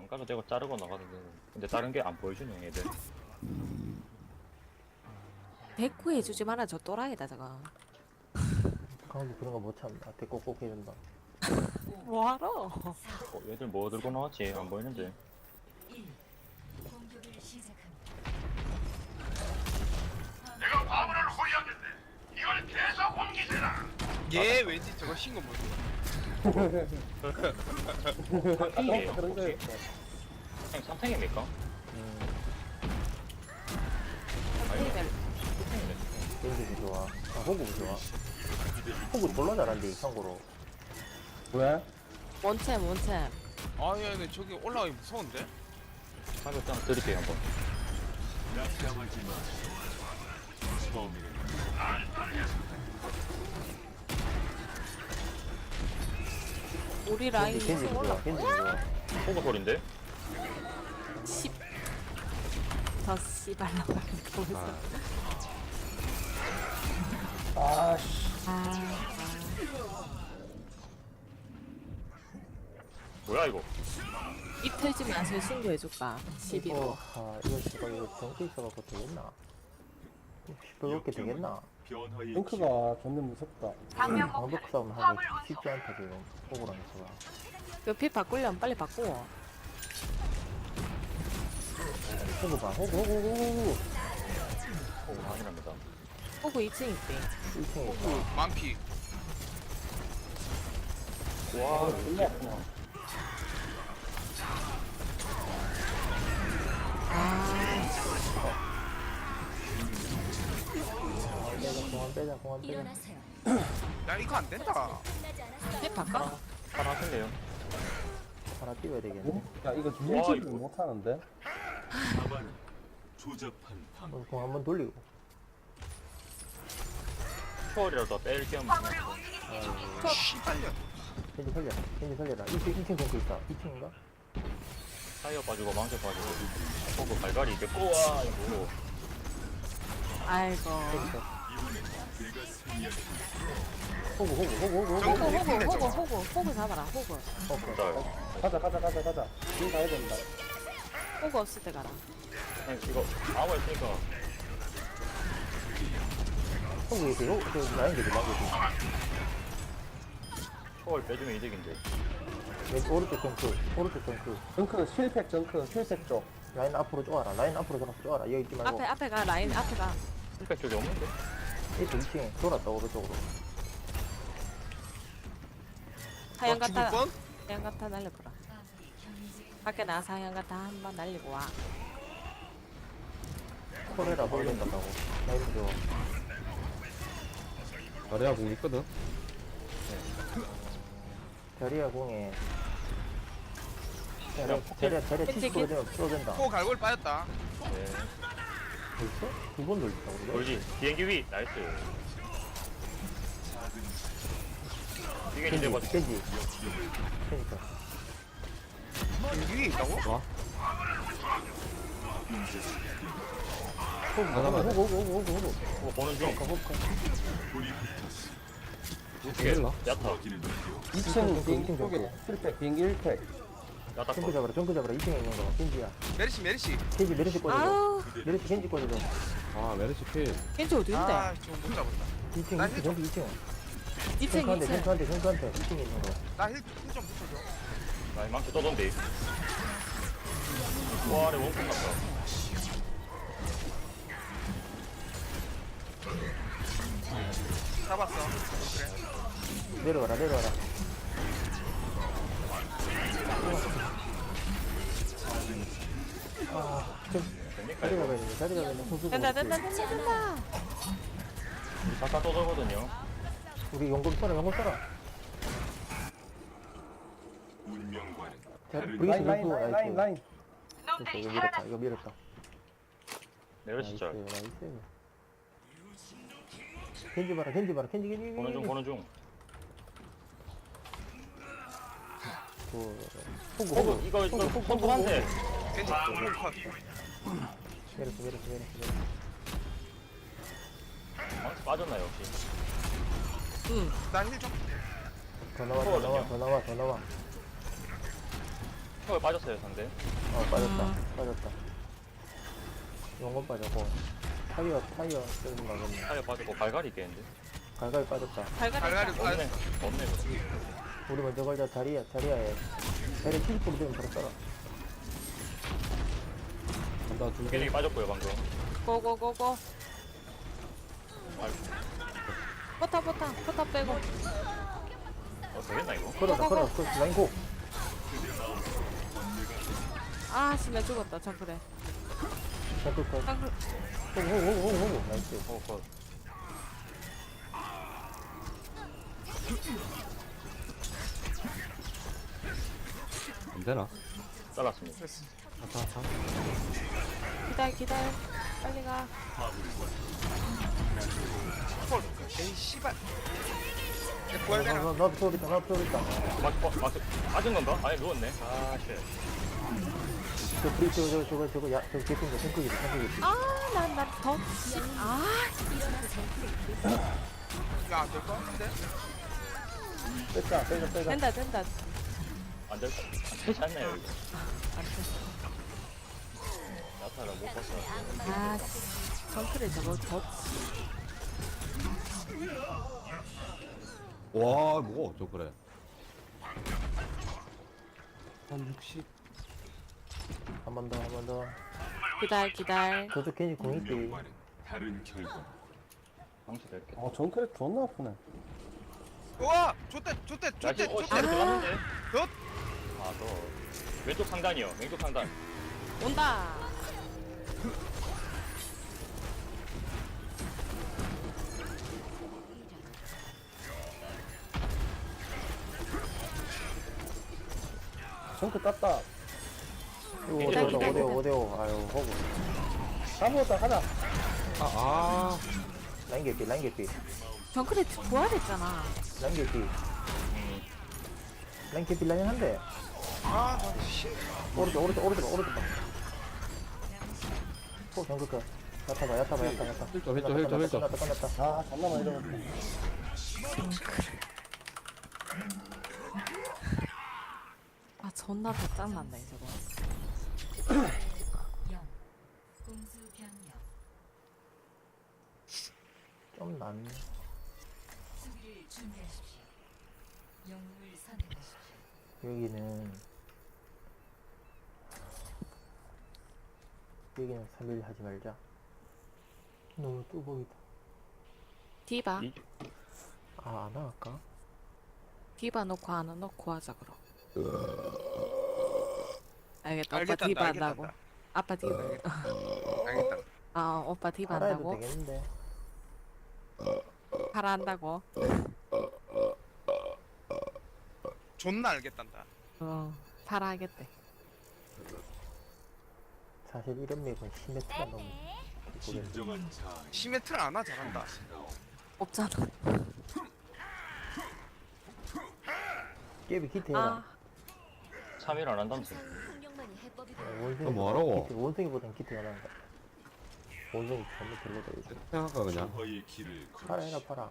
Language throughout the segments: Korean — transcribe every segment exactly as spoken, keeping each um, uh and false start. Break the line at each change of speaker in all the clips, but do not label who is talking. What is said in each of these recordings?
안 가도 되고 자르고 나가도 되고. 근데 다른 게 안 보여주네 얘들.
대꾸 해주지 마라. 저 또라이다 저거.
강도 그런 거 못 참다. 대꾸 꼭 해준다.
뭐하러?
어, 얘들 뭐 들고 나왔지? 안 보이는데.
공격을 시작합니다.
내가 화물을 호위하겠네. 이걸 계속 옮기세라.
얘 왠지 저거 신고 모르
삼탱이에요
어, 그런 거
혹시? 삼탱, 삼탱입니까?
선생님들
겐지도 좋아. 아, 호구도 좋아. 호구 졸라 잘한대, 참고로.
왜?
원챔 원챔.
아, 야, 근데 저기 올라가기 무서운데?
사격 장 드릴게요 한번.
우리 라인
겐지, 겐지도 좋아. 겐지도 좋아.
호구 소린데?
십. 더 씨발라 말면서.
아씨.
아,
뭐야 이거?
입 털지 마세요. 신고해줄까? 십이로.
이거, 아, 이거 씨발, 이거 정치 있어갖고 되겠나? 시끄럽게 되겠나?
링크가 존나 무섭다.
방벽 싸움 하기 쉽지 않다, 지금. 호구랑 있어가.
옆에 바꾸려면 빨리 바꾸어.
호구 봐, 호구, 호구, 호구, 호구.
호구 아니랍니다.
호구 이 층 있대.
일 층에 있다.
만피.
와
끝났구나.
빼자, 공안 빼자, 공안 빼자.
일어나세요.
야, 이거 안 된다.
끝나지 않았어요.
옆에 바꿔?
하나 하실래요?
하나 띄워야 되겠네.
어? 야 이거
와,
밀치를
이거.
못하는데?
오늘 공 한번 돌리고.
초월이라도 뺄 겸.
씨발려.
겐지 살려라, 겐지 살려라. 일 층, 일 층 정크 있다. 이 층인가?
타이어 빠지고 망쳐 빠지고. 호구 발갈이 이게 꼬아 이거.
아이고.
호구, 호구, 호구, 호구, 호구.
정크
호구
밀핀데,
호구
저거.
호구 호구 잡아라. 호구.
자,
가자 가자 가자 가자. 지금 가야 된다.
호구 없을 때 가라.
그냥 이거 아무 있으니까
호구 이렇게, 호구, 저 라인 되게 나고
초월 빼주면 이득인데.
왼 오른쪽 정크, 오른쪽 정크.
정크 실팩 정크 실팩 쪽.
라인 앞으로 쪼아라, 라인 앞으로 좀 쪼아라. 여기 있지 말고.
앞에 앞에 가. 라인 앞에 가.
힐백 쪽이 없는데?
이쪽 이 층에 돌았다, 오른쪽으로.
하얀
너 죽을
가타.
뻔?
하얀 가타 날려보라. 밖에 나가서 하얀 가타 한 번 날리고 와.
코레라 벌린다고. 라인 줘.
자리야 공 있거든.
자리야 공에.
그냥
자리야, 자리야, 자리야
겐지,
칠십 퍼센트 되면 풀어된다.
코 갈고리 빠졌다.
네.
벌써? 두 번 돌렸다, 우리가?
돌지. 비행기 위. 나이스. 이게
겐지,
이제 뭐
겐지. 그니까.
여기 위에 있다고?
호구, 호구, 호구, 호구, 호구, 호구.
뭐 보는 중.
호구, 호구.
어떻게? 야타.
이 층
이
비행기
층
쪽에
정크.
실팩 비행기 일 팩.
야타
정크
거.
잡아라, 정크 잡아라. 이 층에 있는 거. 겐지야.
메리시, 메리시.
겐지 메르시 꽂아줘.
아우.
메르시 겐지 꽂아줘.
아 메르시 필
겐지 어디 있는데?
아, 저거 못 잡았다.
이 층,
나
이 층,
힐
정크 이 층.
이 층
정크한테,
이 층.
정크한테, 정크한테. 이 층에 있는 거.
나 힐, 힐좀 붙여줘.
나이 망치 떠던데. 와, 아래 원콤 같다.
잡았어. 그래.
내려와라, 내려와라. 아, 좀,
됩니까
자리가
이거?
가야 되네, 자리가 가야 되네. 호수가
된다
없지.
된다 된다 된다.
우리 잠깐 떠들거든요.
우리 용금 써라, 용금 써라. 자, 브리스,
라인 라인
브리스,
라인 라인
나이스.
라인.
됐어, 이거 밀었다, 이거 밀었다.
내려시
나이스,
절.
나이스. 겐지 봐라, 겐지 봐라, 겐지, 겐지,
보는 중,
겐지.
보는 중.
그, 호구,
호구,
호구.
이거, 이거, 손톱한테.
겐지, 홀 컷.
내렸어, 내렸어, 내렸어, 내렸어.
망치 빠졌나요, 혹시?
나 힐 좀.
더 나와, 더 나와, 더 나와, 더 나와.
초월 빠졌어요 상대.
어 빠졌다 빠졌다 용건 빠졌고 타이어 타이어 쓰는 거겠네
타이어 빠지고 갈갈이 있겠는데.
갈갈이 빠졌다
갈갈이
갈갈이
있다.
없네.
빠졌어.
없네 그럼.
우리 먼저 걸자 다리야 다리야에 다리 킬프로 되면 바로 써라
간다 두 개.
힐링이 빠졌고요 방금.
고고고고.
아이고.
포탑 포탑 포탑 빼고.
어 되겠나 이거?
걸어라 걸어 걸어 라인 고
아 진짜 죽었다 정크래.
잠깐 컷
정크.
호구 호구 호구 호구 나이스
어 컷.
안 되나?
잘랐습니다.
됐어.
기다려 기다려. 빨리 가.
헐. 에이 씨발. 얘 부활되나?
나 나도 소리다 나도 소리다
막, 막, 막, 맞은 건가? 아니 누웠네. 아 쉣.
저 브리 저거 저거 저거 저거 야 저거 개핀 거 생크기다 생크기
아난난더 아.
이거 안 될 것 같은데?
뺐다 빼자 빼자
된다 된다.
안될 안 되지 않나요 이거?
안 돼.
나타를 못 봤어.
아 정크래 저거 더.
와 뭐가 어쩌 그래. 한 육십.
한 번 더 한 번더
기다려 기다려.
저도 괜히 공 있지
방치 될게.
아 정크랙 존나 아프네.
우와! 좋대! 좋대!
야
좋대!
지금 어
좋대!
시간 들어갔는데.
덧!
아너 왼쪽 상단이요. 왼쪽 상단.
온다.
정크 땄다.
이거
기다,
오대오
기다,
오대오
기다.
오대오 아유 호구
다 먹었다 가자. 아 아.
라인 개피 라인 개피
정크래 부활했잖아.
라인 개피
음.
라인 개피 라인 한대
아, 나 씨.
오른쪽 오른쪽 오른쪽 오른쪽 또 정글 거 야타봐 야타봐 야타 야타
힐점 힐점 힐점 힐점.
끝났다 끝났다
아 존나 많이 들어갔네.
아 존나 더 짱난다 저거.
공수 변경
좀 난.
수비를 준비하십시오. 영웅을 선택하십시오.
여기는 여기는 삼 일 하지 말자 너무 뚜벅이다
디바
이-
아 안 할까?
디바 놓고 하나 놓고 하자 그럼. 알겠다. 오빠
알겠단다,
디바 한다고.
알겠단다.
아빠 디바.
알겠다.
아 오빠 디바
팔아 해도
한다고.
되겠는데
팔아 한다고.
존나 알겠단다.
어 팔아 하겠대.
사실 이런 맵은 시메트가 너무 모르겠네
시메트를 안 하잖아, 잘한다.
없잖아.
깨비 기트 해라
아
삼 일 안 한다면서.
풍경만이 해법이
어, 원숭이
너 뭐하라고?
기트, 원숭이보단 기트가 나은다 원숭이 전부 별로다 이거
생각하 그냥.
팔아 해라 팔아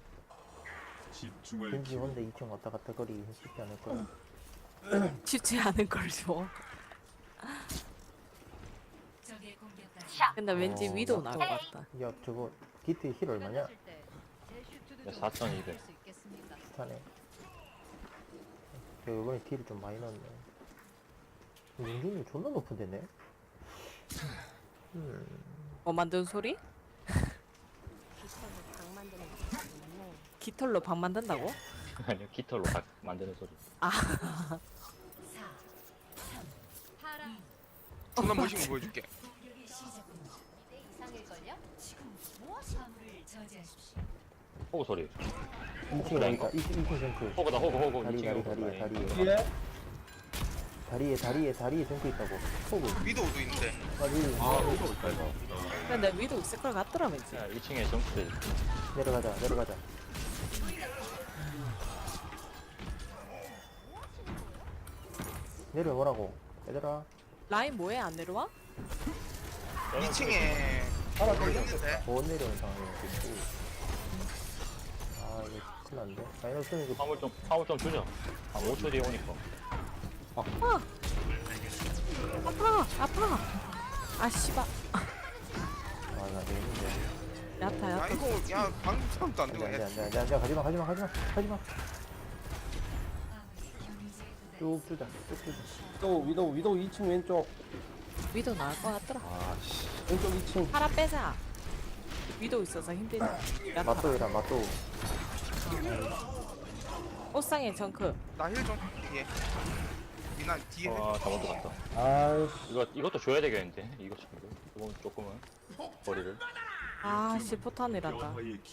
집중을
왠지 혼자 이 층 왔다 갔다 거리 쉽지 않을 거야
쉽지 않은 걸 줘.
적의 공격까지
근데 왠지
어,
위도
나-
나올 것 같다.
야 저거 기트 힐 얼마냐?
사천이백.
비슷하네 야 이번에 딜을 좀 많이 넣었네 용준이 존나 높은 데네 음
뭐 만든 소리? 깃털로 방 만든다고?
아니요 깃털로 각 만드는 소리.
존나 멋있는 거 보여줄게.
공격이 시작됩니다. 내 이상일걸요? 지금 무엇이 화물을 저지하십시오.
호구 소리.
이 층에 나있다 이 층 정크
호구다 호구 호구.
다리
이 층에
다리
호구.
다리에
다리.
다리에
뒤에.
다리에 다리에 다리에 정크 있다고 호구
위도우도 있는데.
다리
아 이거 있다 이거.
근데 위도 있을 것 같더라 왠지.
야, 이 층에 점프.
내려가자 내려가자 내려오라고 얘들아
라인 뭐해 안 내려와?
이 층에
하나
뭘 있는데?
못 내려온 상황이었겠지 아 이거 큰일 났는데 마이너스는 이거
화물 좀 화물 좀 주죠. 한 오 초 뒤에 오니까.
아 씨발.
아나 되겠는데.
야타
야
야타.
이거 야 방금 사람도 안
안돼
되고
안돼
야
안돼 안돼 안돼 가지마 가지마 가지마 가지마. 쭉 주자 쭉 주자.
위도우 위도우 위도우 이 층 왼쪽
위도 나올 것 같더라.
아씨 왼쪽 이 층
팔아 빼자. 위도 있어서 힘들지. 야타.
맞도이라 맞도.
옷상에 정크.
나힐좀 뒤에 미나 뒤에 힐.
아 잘못 들었다.
아이씨
이거 이것도 줘야 되겠는데 이거 참 조금 조금은 거리를.
아씨 포탄이란다.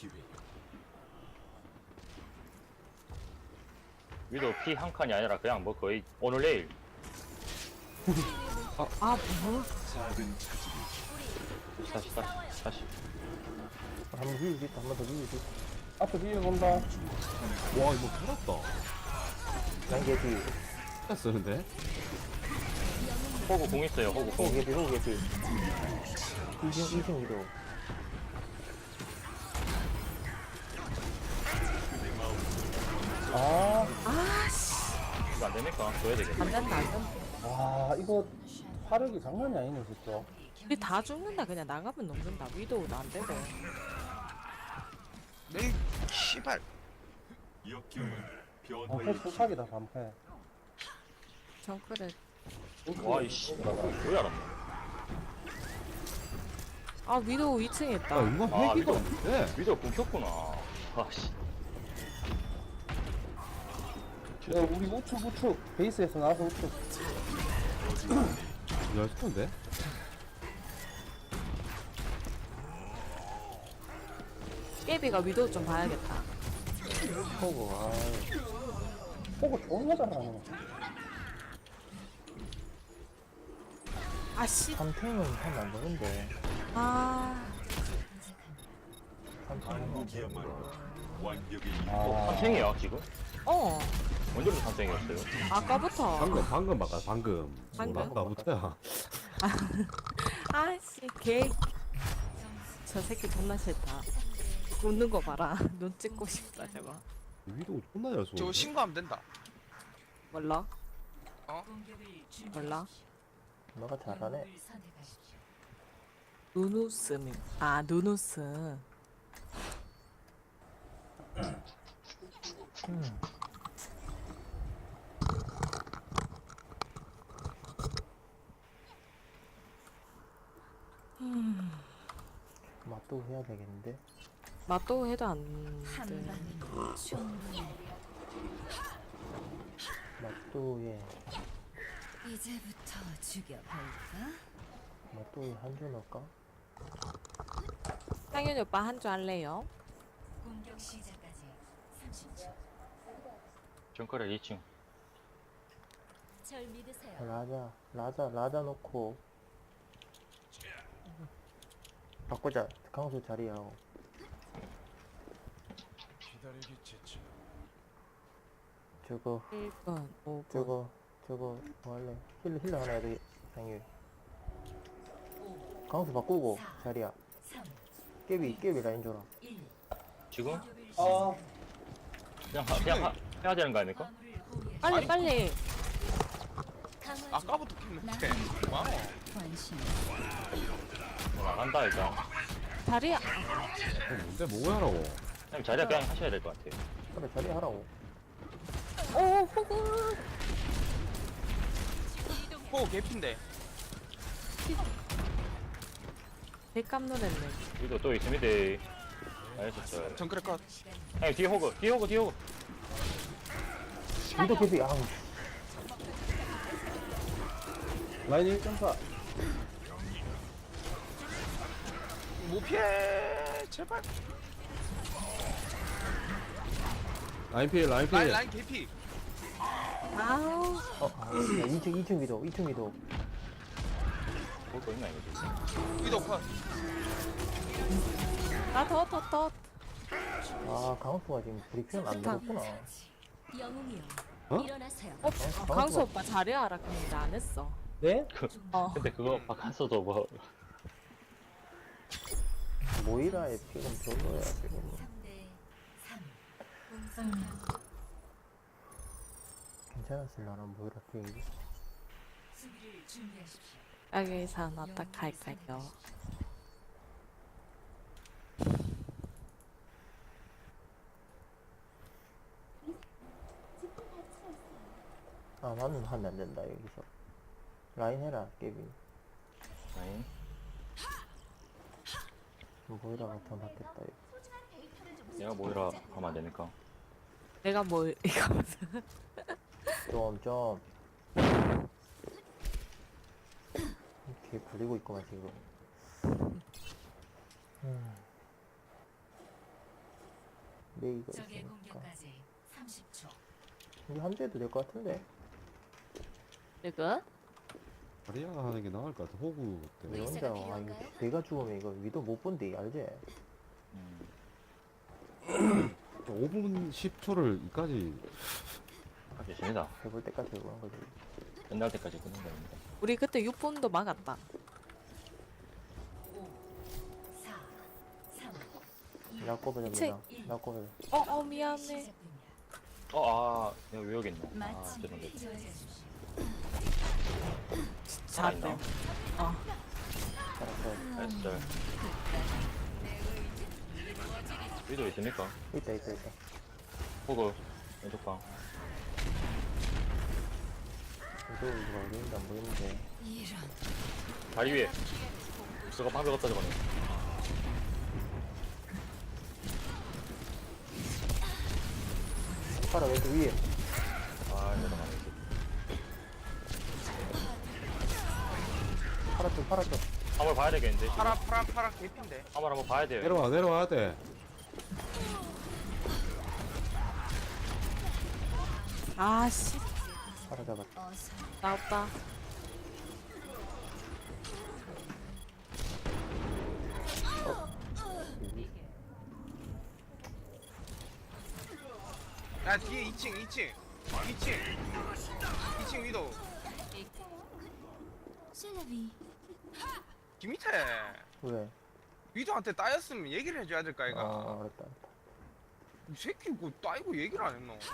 위도 피 한 칸이 아니라 그냥 뭐 거의 오늘 내일.
아 뭐?
다시 다시 다시.
한번 비울 수 있다 한 번 더 비울 수 있다.
앞에 비벼 본다
와 이거 살았다.
난개 뒤.
진짜 쓰는데?
호구 공 있어요. 호구 공.
호구 개피 호구 개피. 이층 이층 위도.
아,
아씨
이거 안 됩니까? 줘야 되겠다.
안 된다 안 된다.
와 이거 화력이 장난이 아니네 진짜
우리 다 죽는다 그냥 나가면 녹는다. 위도우도 안 되고.
내 씨발
방패 수사기다 방패
정크를.
와 이씨. 왜 알았나?
아 위도우 이 층에
야
있다.
이거
아,
회기가
이거-
없는데?
위도 끊겼구나. 아씨.
야, 우리 우측 우측 베이스에서 나와서 우측
야 스톤데?
깨비가 위도우 좀 봐야겠다.
호구 아이.
보고 존나 잘하네
아씨.
삼탱은 하면 안 되는데.
아.
삼탱은
아
삼탱이야 지금?
어.
언제부터 삼탱이었어요?
아까부터.
방금 방금 바꿔 방금.
방금?
뭐 아까부터야.
아씨 개. 저 새끼 존나 싫다. 웃는 거 봐라. 눈 찍고 싶다 저거.
위도 존나 잘 쏘.
저거 신고하면 된다
몰라?
어?
몰라?
너가 잘하네.
누누스미. 아 누누스.
음. 맛도 해야 되겠는데.
맛도 해도 안
한
돼.
방이면 충분해.
맛도에
이제부터 죽여볼까?
맛도에 한 줄 넣을까?
상윤이 오빠 한 줄 할래요?
공격 시작까지 삼십 초.
정크를 이 층.
절 믿으세요.
라자 라자 라자 놓고 바꾸자. 강수 자리하고. 저거
일 분, 오 분.
저거 저거 뭐 할래? 힐러 힐러 하나 해야 돼. 상일. 강수 바꾸고 자리야.
삼,
깨비 깨비 라인 줘라.
일.
지금?
아,
그냥 하, 그냥 하, 해야 되는 거 아닙니까?
빨리
아니,
빨리.
강화주
아까부터 켰는데 와우
관심.
뭐 나간다 일단.
자리야.
어, 뭔데 뭐 하라고?
그냥 자리야 그냥 하셔야 될 것 같아요.
그래 자리 하라고.
오 호구.
호 개핀데
백감 노랬네.
위도 또 있습니다. 알겠어요.
정크레 컷
형님 뒤에 호그, 뒤에 호그, 뒤에 호그.
위도 깨비 아우.
라인 일 점 사
못 피해 제발
라인 필 라인 필.
라인 라인 개피
아우.
어, 아, 이 층 이 층 위도 이 층 위도.
호그 있나 이거?
위도 컷
나더 더 더.
아 강수가 지금 브리핑 안
좋다.
되겠구나.
영웅이요.
어?
일어나세요.
어,
강수
강수
봐.
오빠 자리 알아. 근데 나안 했어.
네?
어.
근데 그거 바깥서도 뭐
모이라의 픽은 별로야 지금.
삼 대 삼. 공성
괜찮았을라나 모이라 픽이.
수비를 준비하십시오.
여기선 어떡할까요?
아 나는 하면 안 된다 여기서. 라인 해라 깨빈.
라인.
모이라가 더 낫겠다 여기.
내가 모이라 하면 안 되니까.
내가 뭐 이거
좀 좀. 이렇게 불리고 있구만 지금. 음. 메이가
적의
있으니까.
공격까지 삼십 초.
우리 한주해도 될 것 같은데.
이거?
다리야 하는 게 나을 것 같아. 호구
왜
때문에.
혼자 와 이거 내가 죽으면 이거 위도 못 본대 알지?
음.
오 분 십 초를 이까지
아주 재미다.
해볼 때까지 해보는 거지.
끝날 때까지 끊는 겁니다.
우리 그때 육 분도 막았다.
사, 삼,
야꼬베
책.
됩니다. 야꼬베.
어, 어 미안해.
시작됩니다.
어, 아, 내가 왜 여기 있노? 아,
마치
죄송해요.
저지하십시오.
잘했네. 어.
잘했어.
나이스. 위도 있습니까?
있다 있다 있다.
호그, 왼쪽 방.
이거 이거 어디인지 안 보이는데.
이런
다리 위에. 저거 방벽 없다, 저거는.
파라 왼쪽 위에.
아, 내가 망했지.
파라 쪽 파라 쪽.
한번 봐야 되겠는데.
파라 파라 파라 개핀데.
한번 한번 봐야 돼요.
내려와 내려와야 돼.
아씨,
파라 잡았다.
어서
나왔다.
야 뒤에 이 층 이 층 이 층 이 층 위도
셀레비
김희태
왜?
위도한테 따였으면 얘기를 해줘야 될까
아
이가.
알았다 알았다.
이 새끼 뭐 따이고 얘기를 안 했노.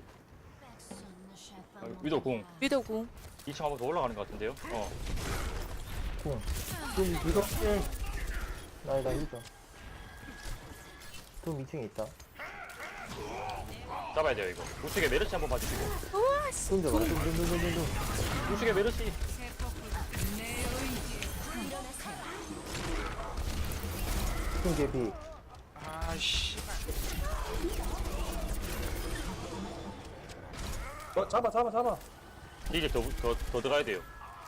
아, 위도 궁.
위도궁.
이 층 한번 더 올라가는 것 같은데요? 어.
쿵. 좀 무섭게. 나이다 힘줘. 좀 이 층에 있다.
잡아야 돼요, 이거. 우측에 메르시 한번 봐주시고.
좀 잡아. 좀좀좀좀좀.
우측에 메르시.
좀 개피.
아 씨발.
어, 잡아, 잡아, 잡아.
이제 더, 더, 더 들어가야 돼요.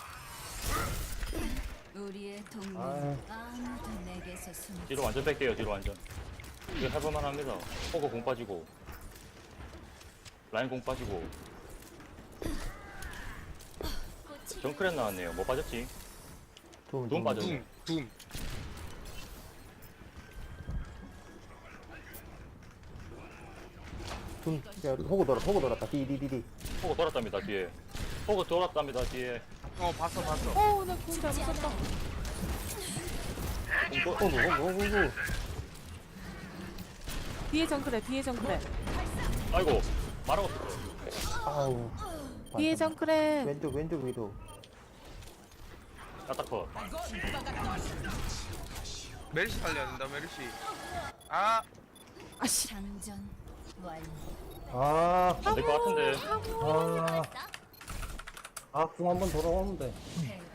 우리의 동물
아유.
아무도 내게서 숨지
뒤로 완전 뺄게요, 뒤로 완전. 이거 해볼만 합니다. 호그 공 빠지고. 라인 공 빠지고. 정크렛 나왔네요. 뭐 빠졌지?
좀
돈 빠졌네.
둠 둠.
좀. 야 호구 돌아 호구 돌았다. 디디디디.
호그 돌았답니다, 뒤에. 호그 돌았답니다, 뒤에.
어 봤어 봤어.
어, 나궁 잘못 썼다.
공 또,
호구 호구 호구 호구.
뒤에 정크래, 뒤에 정크래.
아이고, 말하고 싶어요.
아우.
뒤에
맞다.
정크래.
왼쪽 왼쪽 위도.
까딱커.
메르시 살려야 된다 메르시. 아
아씨.
장전 완료.
아,
안 될 것 같은데.
아. 아, 궁 한번 돌아오는데.
대응